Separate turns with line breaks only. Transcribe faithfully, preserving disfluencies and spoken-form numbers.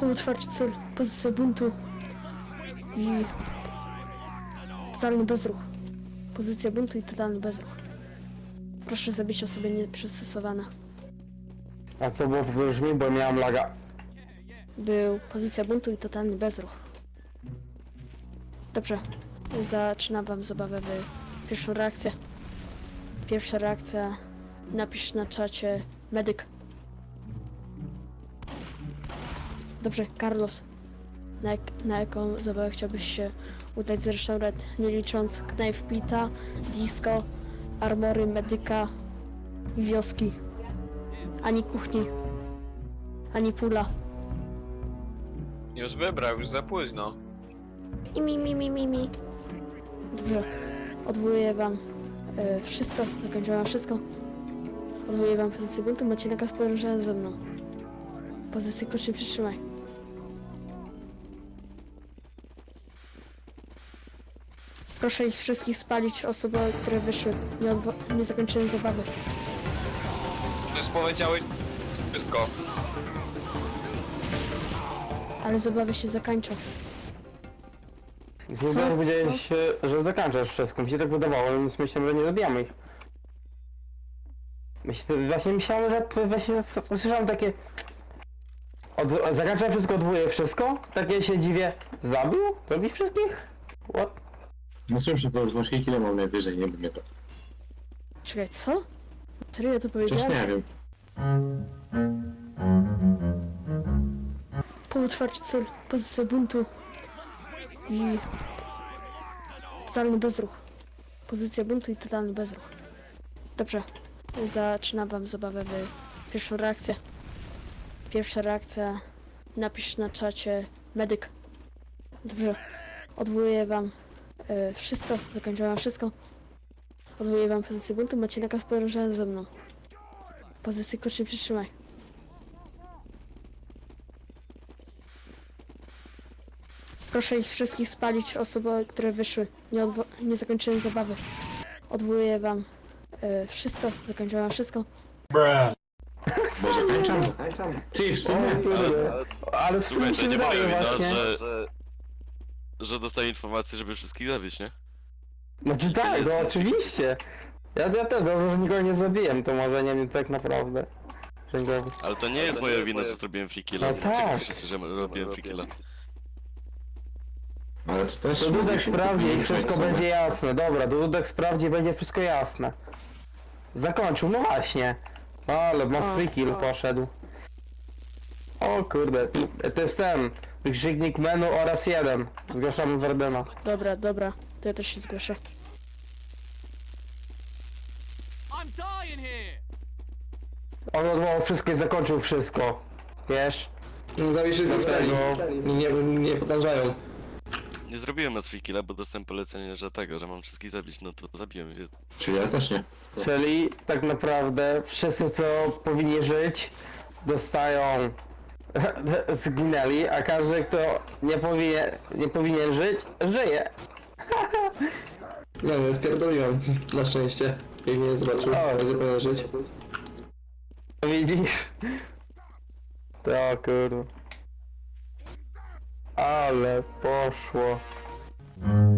Półotwarty cel, pozycja buntu i totalny bezruch. Pozycja buntu i totalny bezruch. Proszę zabić osoby nieprzystosowane.
A co było, powtórz mi, bo miałem laga.
Był pozycja buntu i totalny bezruch. Dobrze, zaczynam wam zabawę w pierwszą reakcję. Pierwsza reakcja, napisz na czacie medyk. Dobrze, Carlos, na, jak, na jaką zabawę chciałbyś się udać z restaurat, nie licząc Knife Pita, Disco, Armory, Medyka i wioski. Ani kuchni, ani pula.
Już wybrał, już za późno.
I mi, mi, mi, mi, mi. Dobrze, odwołuję wam e, wszystko, zakończyłam wszystko. Odwołuję wam pozycję buntu, macie nakaz podążania ze mną. Pozycję kocznie przytrzymaj. Proszę ich wszystkich spalić, osoby, które wyszły. Nie, odwo- nie zakończyłem zabawy.
Przecież powiedziałeś wszystko.
Ale zabawy się zakończą.
Chyba powiedziałeś, że zakończasz wszystko. Mi się tak wydawało, więc myślałem, że nie zabijamy ich. Myślę, właśnie myślałem, że właśnie słyszałem takie... Od... Zakończam wszystko, odwołuję wszystko? Takie się dziwię. Zabił? Zabił wszystkich? What?
No cóż, to dwa kile mam najwyżej, nie wiem, to.
Czekaj, co? Serio to
Przecież
powiedziałem?
nie wiem.
Półotwarty cel, pozycja buntu i totalny bezruch. Pozycja buntu i totalny bezruch. Dobrze, zaczynam wam zabawę w pierwszą reakcję. Pierwsza reakcja, napisz na czacie medyk. Dobrze, odwołuję wam e, wszystko, zakończyłam wszystko. Odwołuję wam pozycję buntu, macie nakaz podążania ze mną. Pozycję kocznie przytrzymaj. Proszę ich wszystkich spalić, osoby, które wyszły. Nie, odwo- nie zakończyłem zabawy. Odwołuję wam e, wszystko, zakończyłam wszystko.
Bo zakończam? Ty, w sumie.
Ale, ale w sumie
Słuchaj,
się
to nie
wydaje
moja wina,
właśnie.
że, że dostaję informację, żeby wszystkich zabić, nie?
Znaczy tak, no oczywiście. Ja, ja też dobrze, że nikogo nie zabiłem, to może nie wiem tak naprawdę. Że nikogo...
Ale to nie jest moja wina, że zrobiłem free killa.
No tak.
Cieszę się, że robiłem free killa.
Ale to też...
To Dudek
mogliśmy
sprawdzi i
kupić
wszystko
sobie.
będzie jasne. Dobra, Dudek sprawdzi i będzie wszystko jasne. Zakończył, no właśnie. Ale mass
O,
free kill
o.
poszedł. O kurde, to jest ten. Wykrzyknik menu oraz jeden. Zgłaszamy Wardena.
Dobra, dobra, to ja też się zgłoszę.
I'm dying here!
On odwołał wszystko i zakończył wszystko. Wiesz?
Zawiszy z
Dlatego...
nie, nie, nie podążają.
Nie zrobiłem na free killa, bo dostałem polecenie, że tego, że mam wszystkich zabić, no to zabiłem je.
Czyli ja też nie.
Czyli tak naprawdę wszyscy co powinni żyć dostają zginęli, a każdy kto nie powinien, nie powinien żyć, żyje.
Nie wiem, spierdoliłem. Na szczęście. Jak mnie zobaczył,
O.
nie zapomnę żyć.
Widzisz? To kurwa. Ale poszło.